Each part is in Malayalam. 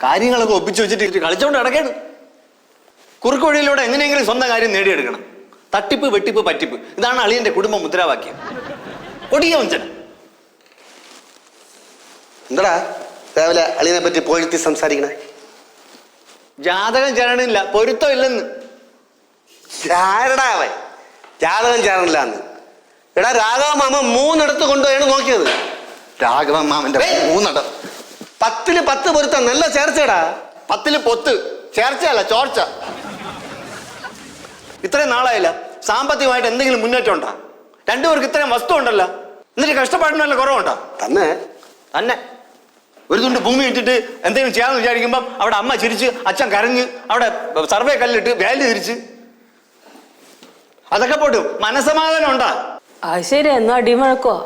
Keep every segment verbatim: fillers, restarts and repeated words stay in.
കാര്യങ്ങളൊക്കെ ഒപ്പിച്ചു വെച്ചിട്ട് കളിച്ചോണ്ട് നടക്കാണ്. കുറുക്ക് വഴിയിലൂടെ എങ്ങനെയെങ്കിലും സ്വന്തം കാര്യം നേടിയെടുക്കണം. തട്ടിപ്പ് വെട്ടിപ്പ് പറ്റിപ്പ് ഇതാണ് അളിയന്റെ കുടുംബ മുദ്രാവാക്യം. കൊടിയ വഞ്ചന. എന്താടാ രാവിലെ അളിയനെ പറ്റി പോഴ്ത്തി സംസാരിക്കണേ? ജാതകം ചേരണില്ല, പൊരുത്തം ഇല്ലെന്ന്. ആരടാ അവൻ ജാതകം ചേരണില്ല എന്ന്? എടാ രാഘവ മാമ മൂന്നിടത്ത് കൊണ്ടുപോയാണ് നോക്കിയത്. രാഘവ മാമന്റെ മൂന്നിട പത്തില് പത്ത് പൊരുത്തം നല്ല ചേർച്ചടാ. പത്തില് പൊത്ത് ചേർച്ചയല്ല ചോർച്ച. ഇത്രയും നാളായില്ല സാമ്പത്തികമായിട്ട് എന്തെങ്കിലും മുന്നേറ്റം ഉണ്ടോ? രണ്ടുപേർക്ക് ഇത്രയും വസ്തു ഉണ്ടല്ലോ, എന്നിട്ട് കഷ്ടപ്പാടിനല്ല കുറവുണ്ടോ? തന്നെ തന്നെ ഒരു തുണ്ട് ഭൂമി ഇട്ടിട്ട് എന്തെങ്കിലും ചെയ്യാമെന്ന് വിചാരിക്കുമ്പം അവിടെ അമ്മ ചിരിച്ച്, അച്ഛൻ കരഞ്ഞ്, അവിടെ സർവേ കല്ലിട്ട് വേലി തിരിച്ച്, അതൊക്കെ പോട്ട് മനസമാധാനം ഉണ്ടാ? അത് ശരി, എന്നോ അടിമഴക്കോ?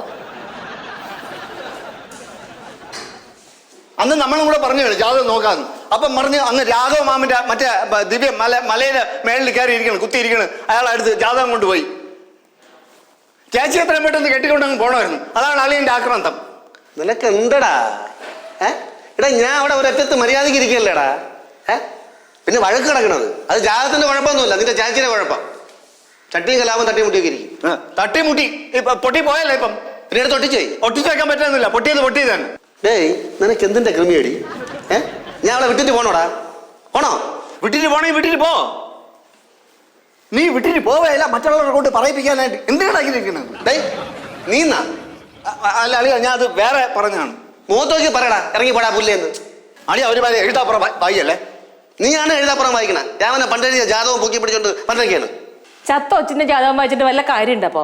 അന്ന് നമ്മളും കൂടെ പറഞ്ഞു ജാതകം നോക്കാന്ന്. അപ്പം പറഞ്ഞ് അന്ന് രാഘവ മാമിന്റെ മറ്റേ ദിവ്യ മല മലയുടെ മേളിൽ കയറി ഇരിക്കണം, കുത്തിയിരിക്കണം. അയാളടുത്ത് ജാതകം കൊണ്ടുപോയി. ചേച്ചി എത്രയും പെട്ടെന്ന് കെട്ടിക്കൊണ്ടങ്ങ് പോകണമായിരുന്നു. അതാണ് അളിയന്റെ ആക്രാന്തം. നിനക്ക് എന്തടാ? ഏ എടാ ഞാൻ അവിടെ ഒരറ്റത്ത് മര്യാദക്ക് ഇരിക്കല്ലേടാ. ഏ പിന്നെ വഴക്ക് കിടക്കണത് അത് ജാതകത്തിന്റെ കുഴപ്പമൊന്നുമില്ല, നിന്റെ ചേച്ചിയുടെ കുഴപ്പം. ചട്ടിയും കലാപം തട്ടിമുട്ടിയൊക്കെ ഇരിക്കും. തട്ടിമുട്ടി ഇപ്പൊ പൊട്ടി പോയല്ലേ? ഇപ്പം പിന്നീട് തൊട്ടിച്ചേ ഒട്ടിച്ചു വെക്കാൻ പറ്റുന്നില്ല. പൊട്ടിയത് പൊട്ടിയത് തന്നെ. ഡേയ് നിനക്ക് എന്തിന്റെ കൃമിയടി? ഏ ഞാൻ അവളെ വിട്ടിട്ട് പോണോടാ? പോണോ? വിട്ടിട്ട് പോണെങ്കിൽ വിട്ടിട്ട് പോ. നീ വിട്ടിട്ട് പോവേല മറ്റുള്ളവരെ കൊണ്ട് പറയിപ്പിക്കാനായിട്ട് എന്തിനാണ്? ഡേയ് നീന്നാ? അല്ല അളിയ, ഞാൻ അത് വേറെ പറഞ്ഞാണ്. മുഖത്തോക്കി പറയടാ, ഇറങ്ങി പോടാ പുല്ലേന്ന്. അളിയ ഒരു പോലെ എഴുതാപ്പുറം വായിയല്ലേ? നീയാണ് എഴുതാപ്പുറം വായിക്കണ. രാമനെ പണ്ടെഴുതിയ ജാതകവും പൊക്കി പിടിച്ചോണ്ട് പണ്ടൊക്കെയാണ്. ചത്ത ഒച്ചിന്റെ ജാതകം വായിച്ചിട്ട് വല്ല കാര്യമുണ്ടപ്പോ?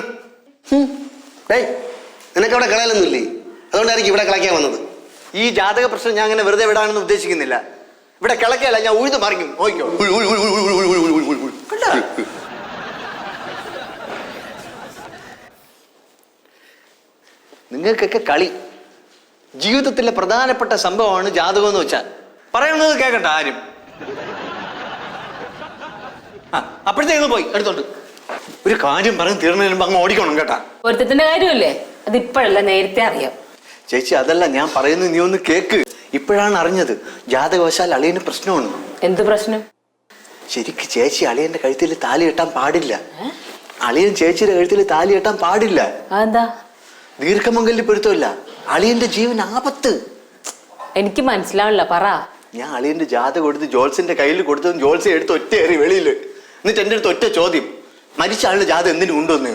ഡേയ് നിനക്ക് അവിടെ കളയാലൊന്നും ഇല്ലേ? അതുകൊണ്ടായിരിക്കും ഇവിടെ കളയ്ക്കാൻ വന്നത്. ഈ ജാതക പ്രശ്നം ഞാൻ അങ്ങനെ വെറുതെ വിടാനൊന്നും ഉദ്ദേശിക്കുന്നില്ല. ഇവിടെ കിളക്കല്ല, ഞാൻ ഉഴുത് മറിക്കും. നോക്കിക്കോ. നിങ്ങൾക്കൊക്കെ കളി. ജീവിതത്തിലെ പ്രധാനപ്പെട്ട സംഭവമാണ് ജാതകം എന്ന് വെച്ചാൽ പറയുന്നത് കേൾക്കണ്ട ആരും. ആ അപ്പോഴത്തേക്ക് പോയി എടുത്തോണ്ട് ഒരു കാര്യം പറഞ്ഞ് തീർന്നതിന് മുമ്പ് അങ്ങ് ഓടിക്കണം കേട്ടാ. പൊരുത്തത്തിന്റെ കാര്യമല്ലേ, അത് ഇപ്പോഴല്ല നേരത്തെ അറിയാം. ചേച്ചി അതല്ല ഞാൻ പറയുന്നത്, നീ ഒന്ന് കേക്ക്. ഇപ്പോഴാണ് അറിഞ്ഞത് ജാതകവശാൽ അളിയന് പ്രശ്നമാണ്. എന്ത് പ്രശ്നം? ശരിക്ക് ചേച്ചി അളിയന്റെ കഴുത്തിൽ താലി കെട്ടാൻ പാടില്ല. അളിയൻ ചേച്ചിയുടെ കഴുത്തിൽ താലി കെട്ടാൻ പാടില്ല. അതെന്താ? ദീർഘമംഗല്യ പൊരുത്തമില്ല, അളിയന്റെ ജീവൻ ആപത്ത്. എനിക്ക് മനസ്സിലാവില്ല, പറ. ഞാൻ അളിയന്റെ ജാതകം കൊടുത്ത് ജോൾസിന്റെ കയ്യിൽ കൊടുത്തതും ജോൾസെ എടുത്ത് ഒറ്റ ഏറി വെളിയില്. എന്നിട്ട് എന്റെ അടുത്ത് ഒറ്റ ചോദ്യം, മരിച്ച ആളുടെ ജാതകം എന്തിനു കൊണ്ടുവന്ന്?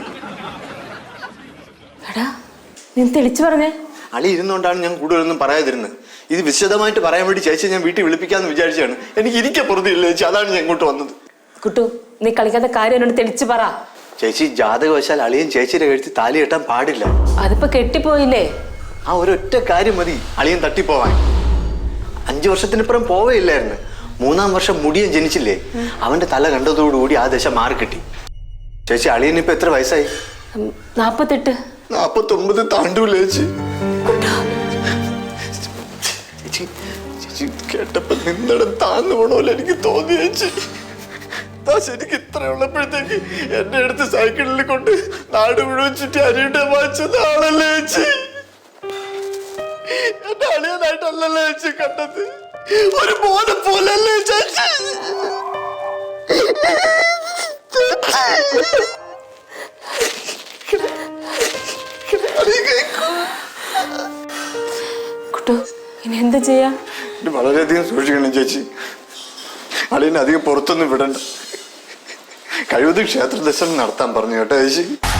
എടാ നീ തെളിച്ചു പറഞ്ഞേ. അളി ഇരുന്നുകൊണ്ടാണ് ഞാൻ കൂടുതലൊന്നും പറയാതിരുന്നത്. ഇത് വിശദമായിട്ട് പറയാൻ വേണ്ടി ചേച്ചി ഞാൻ വീട്ടിൽ വിളിപ്പിക്കാന്ന് വിചാരിച്ചാണ്. എനിക്ക് ഇരിക്കെ പുറത്തില്ല ചേച്ചി, അതാണ് ഞാൻ ഇങ്ങോട്ട് വന്നത്. കുട്ടു നീ കളിക്കാത്ത കാര്യം എന്നോട് തെളിച്ചു പറ. ചേച്ചി ജാതകവശാൽ അളിയൻ ചേച്ചിയുടെ കഴുത്തിൽ താലി കെട്ടാൻ പാടില്ല. അതിപ്പോ കെട്ടിപ്പോയില്ലേ? ആ ഒരൊറ്റ കാര്യം മതി അളിയൻ തട്ടിപ്പോവാൻ. അഞ്ചു വർഷത്തിനിപ്പുറം പോവേയില്ലായിരുന്നു. മൂന്നാം വർഷം മുടിയൻ ജനിച്ചില്ലേ, അവന്റെ തല കണ്ടതോടുകൂടി ആ ദശ മാറി കിട്ടി. ചേച്ചി അളിയൻ ഇപ്പൊ എത്ര വയസ്സായി? നാപ്പത്തെട്ട്. നാപ്പത്തൊമ്പത് താണ്ടൂല ചേച്ചി. ചേച്ചി ചേച്ചി കേട്ടപ്പോ നിന്നിടം താന്നു പോണോലെ എനിക്ക് തോന്നി ചേച്ചി. ശരിക്കും ഇത്ര ഉള്ളപ്പോഴത്തേക്ക് എന്നെ അടുത്ത് സൈക്കിളിൽ കൊണ്ട് നാട് മുഴുവൻ ചുറ്റി അരിയുടെ വായിച്ചത് ആളല്ലേ ചേച്ചി? എന്റെ അളിയനായിട്ടല്ലല്ലേ ചേച്ചി കണ്ടത്, ഒരു മോനെ പോലല്ലേ ചേച്ചി? കുട്ടു ഇനി എന്താ ചെയ്യാ? വളരെയധികം സൂക്ഷിക്കണം ചേച്ചി. അളിയനെ അധികം പുറത്തൊന്നും വിടണ്ട. കഴിവതും ക്ഷേത്ര ദർശനം നടത്താൻ പറഞ്ഞു കേട്ടോ ചേച്ചി.